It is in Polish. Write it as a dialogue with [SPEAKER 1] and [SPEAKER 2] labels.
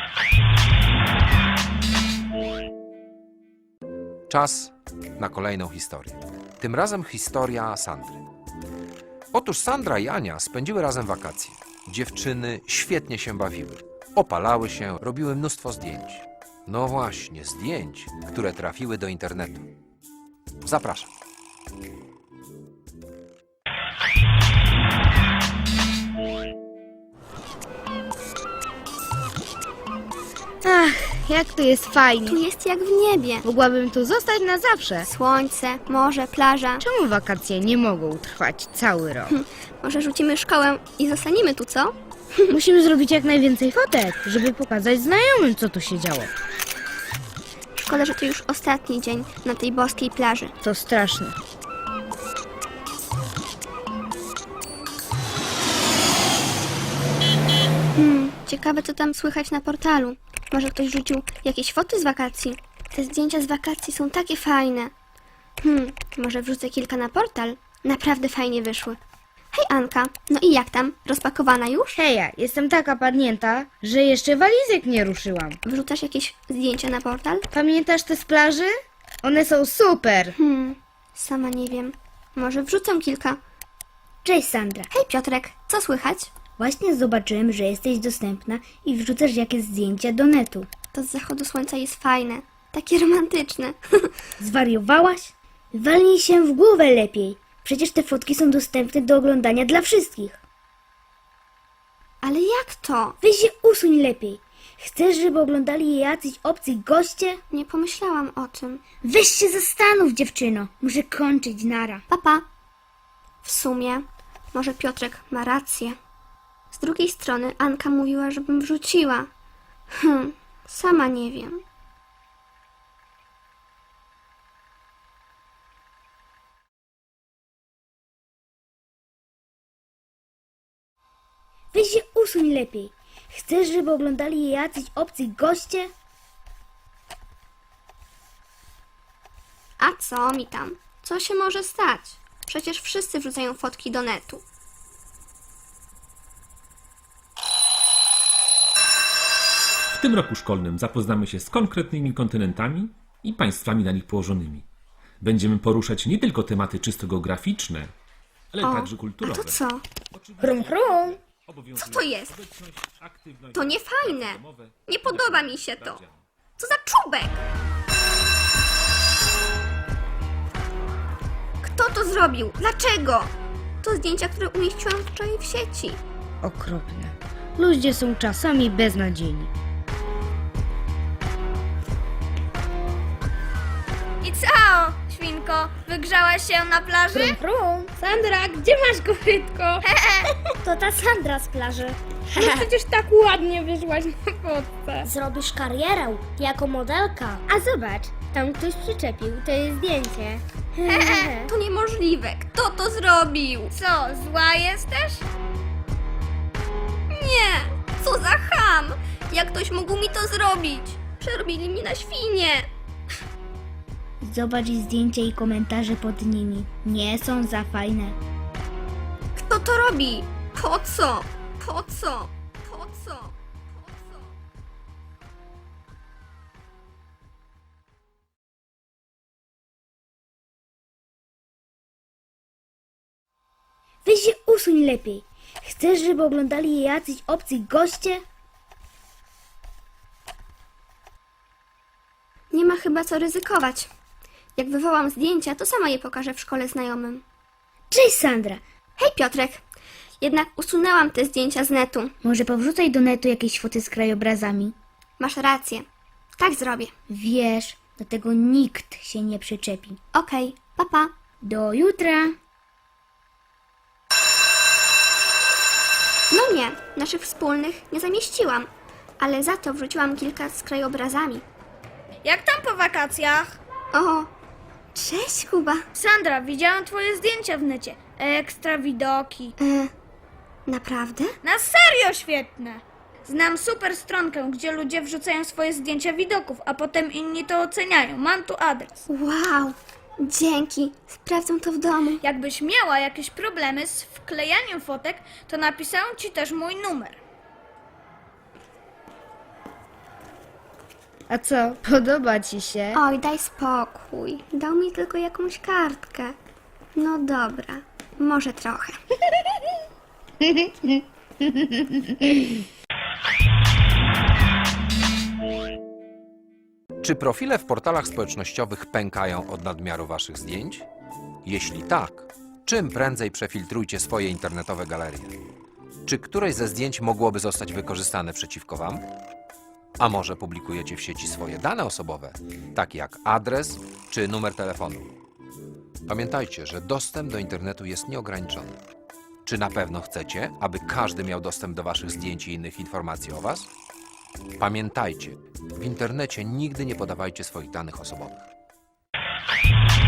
[SPEAKER 1] Czas na kolejną historię. Tym razem historia Sandry. Otóż Sandra i Ania spędziły razem wakacje. Dziewczyny świetnie się bawiły. Opalały się, robiły mnóstwo zdjęć. No właśnie, zdjęć, które trafiły do internetu. Zapraszam.
[SPEAKER 2] Ach, jak tu jest fajnie.
[SPEAKER 3] Tu jest jak w niebie.
[SPEAKER 2] Mogłabym tu zostać na zawsze.
[SPEAKER 3] Słońce, morze, plaża.
[SPEAKER 2] Czemu wakacje nie mogą trwać cały rok?
[SPEAKER 3] Może rzucimy szkołę i zostaniemy tu, co?
[SPEAKER 2] Musimy zrobić jak najwięcej fotek, żeby pokazać znajomym, co tu się działo.
[SPEAKER 3] Szkoda, że to już ostatni dzień na tej boskiej plaży.
[SPEAKER 2] To straszne.
[SPEAKER 3] Ciekawe, co tam słychać na portalu. Może ktoś rzucił jakieś foty z wakacji? Te zdjęcia z wakacji są takie fajne. Może wrzucę kilka na portal? Naprawdę fajnie wyszły. Hej Anka, no i jak tam? Rozpakowana już?
[SPEAKER 2] Heja, jestem taka padnięta, że jeszcze walizek nie ruszyłam.
[SPEAKER 3] Wrzucasz jakieś zdjęcia na portal?
[SPEAKER 2] Pamiętasz te z plaży? One są super.
[SPEAKER 3] Sama nie wiem. Może wrzucę kilka.
[SPEAKER 4] Cześć Sandra.
[SPEAKER 3] Hej Piotrek, co słychać?
[SPEAKER 4] Właśnie zobaczyłem, że jesteś dostępna i wrzucasz jakieś zdjęcia do netu.
[SPEAKER 3] To z zachodu słońca jest fajne. Takie romantyczne.
[SPEAKER 4] Zwariowałaś? Walnij się w głowę lepiej. Przecież te fotki są dostępne do oglądania dla wszystkich.
[SPEAKER 3] Ale jak to?
[SPEAKER 4] Weź się usuń lepiej. Chcesz, żeby oglądali je jacyś obcy goście?
[SPEAKER 3] Nie pomyślałam o tym.
[SPEAKER 4] Weź się zastanów, dziewczyno. Muszę kończyć, nara.
[SPEAKER 3] Papa. W sumie, może Piotrek ma rację. Z drugiej strony Anka mówiła, żebym wrzuciła. Sama nie wiem.
[SPEAKER 4] Weź się usuń lepiej. Chcesz, żeby oglądali je jacyś obcy goście?
[SPEAKER 3] A co mi tam? Co się może stać? Przecież wszyscy wrzucają fotki do netu.
[SPEAKER 5] W tym roku szkolnym zapoznamy się z konkretnymi kontynentami i państwami na nich położonymi. Będziemy poruszać nie tylko tematy czysto geograficzne, ale także
[SPEAKER 3] A
[SPEAKER 5] kulturowe.
[SPEAKER 3] to co?
[SPEAKER 4] Chrum, chrum.
[SPEAKER 3] Co to jest? To nie fajne. Nie podoba mi się to. Co za czubek? Kto to zrobił? Dlaczego? To zdjęcia, które umieściłam wczoraj w sieci.
[SPEAKER 2] Okropne. Ludzie są czasami beznadziejni.
[SPEAKER 6] I co, świnko? Wygrzałaś się na plaży?
[SPEAKER 4] Chrum, chrum.
[SPEAKER 6] Sandra, gdzie masz kopytko?
[SPEAKER 4] To ta Sandra z plaży.
[SPEAKER 6] No przecież tak ładnie wyszłaś na fotce.
[SPEAKER 4] Zrobisz karierę jako modelka.
[SPEAKER 6] A zobacz, tam ktoś przyczepił to jest zdjęcie.
[SPEAKER 3] To niemożliwe. Kto to zrobił?
[SPEAKER 6] Co, zła jesteś?
[SPEAKER 3] Nie! Co za cham! Jak ktoś mógł mi to zrobić? Przerobili mi na świnie.
[SPEAKER 4] Zobacz zdjęcia i komentarze pod nimi. Nie są za fajne.
[SPEAKER 3] Kto to robi? Po co? Po co? Po co? Po co?
[SPEAKER 4] Weź się usuń lepiej. Chcesz, żeby oglądali je jacyś obcy goście?
[SPEAKER 3] Nie ma chyba co ryzykować. Jak wywołam zdjęcia, to sama je pokażę w szkole znajomym.
[SPEAKER 4] Cześć Sandra.
[SPEAKER 3] Hej Piotrek! Jednak usunęłam te zdjęcia z netu.
[SPEAKER 4] Może powrzucaj do netu jakieś foty z krajobrazami.
[SPEAKER 3] Masz rację. Tak zrobię.
[SPEAKER 4] Wiesz, do tego nikt się nie przyczepi.
[SPEAKER 3] Okej, papa.
[SPEAKER 4] Do jutra.
[SPEAKER 3] No nie, naszych wspólnych nie zamieściłam. Ale za to wrzuciłam kilka z krajobrazami.
[SPEAKER 6] Jak tam po wakacjach?
[SPEAKER 3] O, cześć Kuba.
[SPEAKER 6] Sandra, widziałam twoje zdjęcia w necie. Ekstra widoki.
[SPEAKER 3] Naprawdę?
[SPEAKER 6] Na serio świetne! Znam super stronkę, gdzie ludzie wrzucają swoje zdjęcia widoków, a potem inni to oceniają. Mam tu adres.
[SPEAKER 3] Wow, dzięki. Sprawdzę to w domu.
[SPEAKER 6] Jakbyś miała jakieś problemy z wklejaniem fotek, to napisałam ci też mój numer.
[SPEAKER 2] A co, podoba ci się?
[SPEAKER 3] Oj, daj spokój. Dał mi tylko jakąś kartkę. No dobra, może trochę.
[SPEAKER 1] Czy profile w portalach społecznościowych pękają od nadmiaru waszych zdjęć? Jeśli tak, czym prędzej przefiltrujcie swoje internetowe galerie. Czy któreś ze zdjęć mogłoby zostać wykorzystane przeciwko wam? A może publikujecie w sieci swoje dane osobowe, takie jak adres czy numer telefonu? Pamiętajcie, że dostęp do internetu jest nieograniczony. Czy na pewno chcecie, aby każdy miał dostęp do waszych zdjęć i innych informacji o was? Pamiętajcie, w internecie nigdy nie podawajcie swoich danych osobowych.